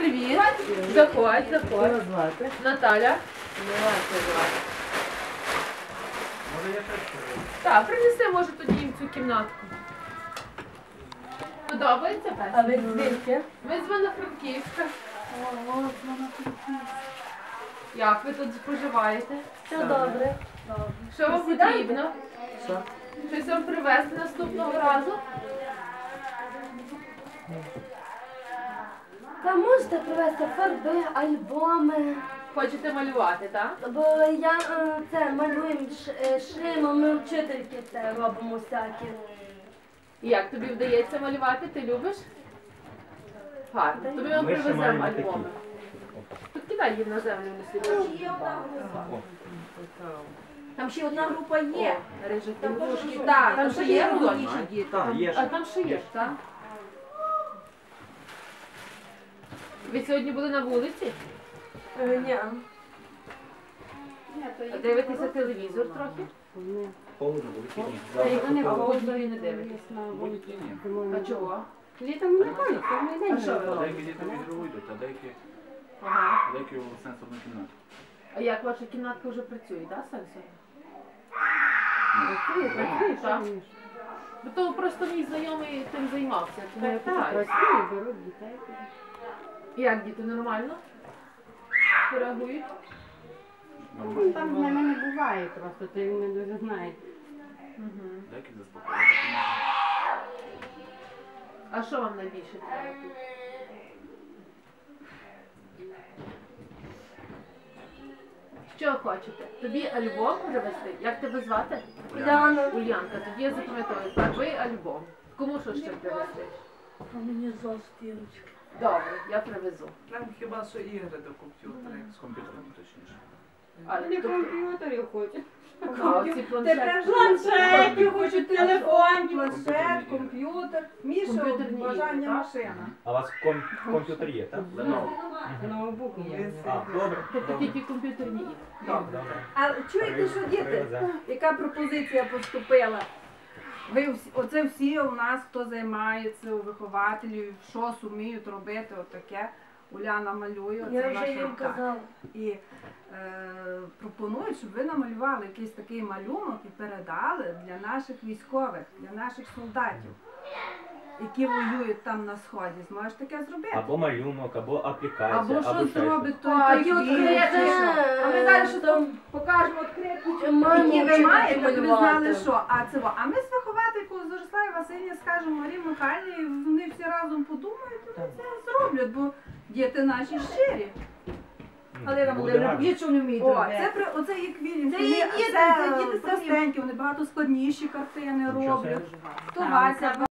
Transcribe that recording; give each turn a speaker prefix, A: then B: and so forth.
A: привіт. Заходь, заходь.
B: звати?
A: Наталя.
C: Може я щось?
A: Так, принеси, може, тоді їм цю кімнатку. Подобається пес?
B: А ви звідки?
A: Ми з Івано-Франківська. Як ви тут споживаєте?
B: Все добре.
A: Що вам потрібно?
B: Що?
A: Щось вам привезти наступного разу?
D: Та можете привезти фарби, альбоми,
A: Хочете малювати, так?
D: бо я це малюємо шримом, ми вчительки це робимо всякі.
A: І як тобі вдається малювати? Ти любиш? Гарно. Тобі ми
C: Ми ще
A: привеземо
C: маємо
A: альбоми. Тут кидай їм на землю, не слід.
E: Там ще одна група є.
A: Рижик, ігрушки.
E: Так,
A: Там ще є
E: молодші
A: молодші?
E: діти.
C: Так, є
A: А
C: ще.
A: там ще є, так? Ви сьогодні були на вулиці?
D: Ні.
A: Дивитеся телевізор трохи?
C: Холодно, вихідні.
A: А ви не дивитесь?
C: Будь-які ні.
A: А чого?
B: Літом не ходить, кожен день.
A: А що ви
C: А
A: робите?
C: деякі діти в ігрову йдуть, а
A: Ага.
C: деякі у сенсорну кімнату.
A: А як ваша кімнатка вже працює, так, сенсор?
B: Працює,
A: Так.
B: що ні.
A: Бо то просто мій знайомий тим займався, тому я
B: Так, так,
A: питаюся.
B: працює, беруть дітей.
A: Як діти нормально? Реагують?
B: Ну, там з ними не буває просто, ти не дуже знаєш.
C: Деякі заспокоювати кімнату.
A: А що вам найбільше треба тут? Що хочете? Тобі альбом привезти? Як тебе звати?
D: Уляна.
A: Ульянка, тоді я запам'ятаю, фарби альбом. Кому що ще привезти?
D: А мені застірочки.
A: Добре, я привезу.
F: Нам хіба що ігри до комп'ютера.
C: З комп'ютером точніше.
A: А,
B: Не
A: тобто-
B: комп'ютерів хочуть.
A: а, ці планшети.
E: Планшетів, хочуть телефон.
F: Планшет, комп'ютер. Міша,
A: Комп'ютерні ігри,
F: бажання
A: так?
F: машина.
G: А у вас комп'ютер є, так?
C: Lenovo.
B: Ноутбук є.
G: А, добре.
A: Тобто тільки комп'ютерні ігри. Добре.
E: А чуєте, що діти?
G: Привезе.
E: Яка пропозиція поступила?
F: Оце всі у нас, хто займається у вихователів, що суміють робити, отаке. Уляна малює,
D: Я
F: це
D: вже
F: наша
D: їм
F: рука.
D: казала.
F: І пропонують, щоб ви намалювали якийсь такий малюнок і передали для наших військових, для наших солдатів, які воюють там на сході. Зможеш таке зробити?
G: Або малюнок, або аплікація,
F: Або
G: або
F: що
G: ще щось.
F: зробить той
E: Такі
F: той
E: відкриті.
F: квіт,
E: А ми зараз що там покажемо відкриті.
D: Маємо
F: які ви
D: вчительки
F: маєте, щоб ви знали,
D: малювати.
F: що. А ми з вихователькою з Зориславі Васильівні скажемо Марії Михайлівні, і вони всі разом подумають, і вони це зроблять, бо діти наші щирі.
E: Але нам
G: Буде
E: буде
G: гарно.
E: нічого не вміють
F: О,
E: робити.
F: оце є квілінг.
E: Це є діти, це діти
F: простенькі, вони багато складніші картини
G: Нічого
F: роблять.
G: собі.
F: То Вася